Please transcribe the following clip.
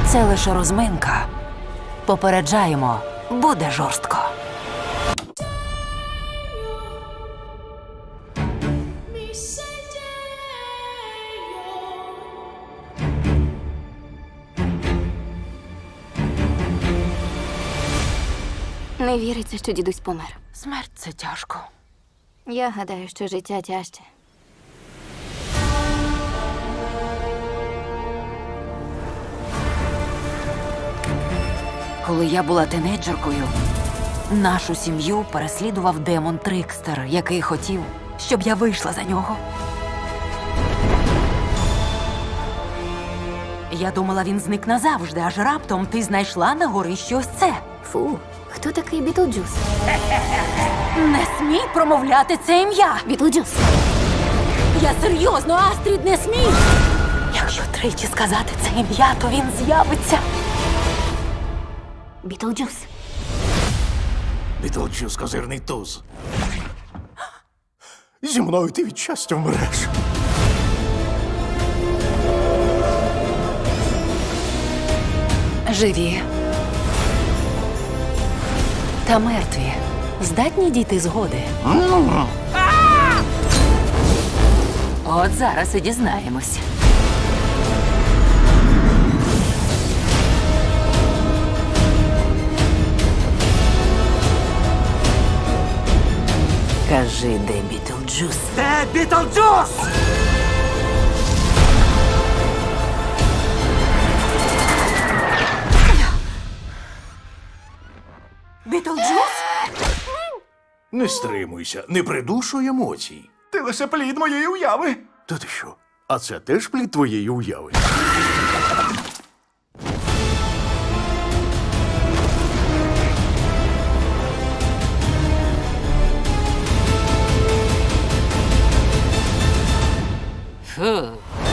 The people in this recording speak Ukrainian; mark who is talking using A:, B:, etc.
A: Це лише розминка. Попереджаємо, буде жорстко.
B: Не віриться, що дідусь помер.
A: Смерть – це тяжко.
B: Я гадаю, що життя тяжче.
A: Коли я була тинейджеркою, нашу сім'ю переслідував демон Трикстер, який хотів, щоб я вийшла за нього. Я думала, він зник назавжди, аж раптом ти знайшла на горищі ось це.
B: Фу, хто такий Бітлджус?
A: Не смій промовляти це ім'я!
B: Бітлджус!
A: Я серйозно, Астрід, не смій! Якщо тричі сказати це ім'я, то він з'явиться.
B: Бітлджус!
C: Бітлджус – козирний туз. Зі мною ти від щастя вмреш.
A: Живі та мертві здатні дійти згоди. От зараз і дізнаємось. Кажи, де Бітлджус?
D: Де Бітлджус?
A: Бітлджус?
C: Не стримуйся, не придушуй емоцій.
D: Ти лише плід моєї уяви.
C: Та ти що? А це теж плід твоєї уяви?
A: Фу.